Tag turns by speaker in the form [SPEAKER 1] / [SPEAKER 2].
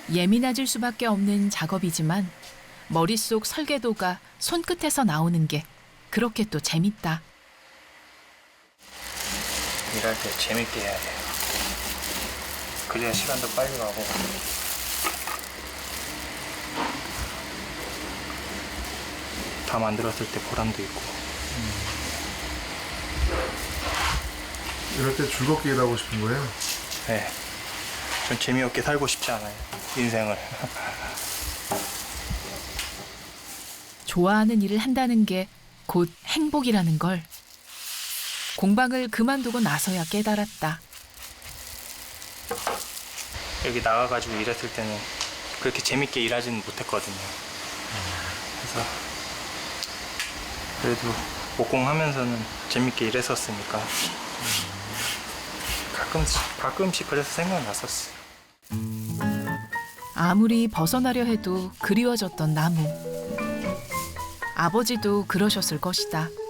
[SPEAKER 1] 예민해질 수밖에 없는 작업이지만 머릿속 설계도가 손끝에서 나오는 게 그렇게 또 재밌다.
[SPEAKER 2] 일할 때 재밌게 해야 돼요. 그래야 시간도 빨리 가고. 다 만들었을 때 보람도 있고.
[SPEAKER 3] 이럴 때 즐겁게 일하고 싶은 거예요?
[SPEAKER 2] 네. 전 재미없게 살고 싶지 않아요. 인생을.
[SPEAKER 1] 좋아하는 일을 한다는 게 곧 행복이라는 걸 공방을 그만두고 나서야 깨달았다.
[SPEAKER 2] 여기 나가가지고 일했을 때는 그렇게 재밌게 일하지는 못했거든요. 그래서 그래도 목공하면서는 재밌게 일했었으니까 가끔씩 그래서 생각났었어요.
[SPEAKER 1] 아무리 벗어나려 해도 그리워졌던 나무. 아버지도 그러셨을 것이다.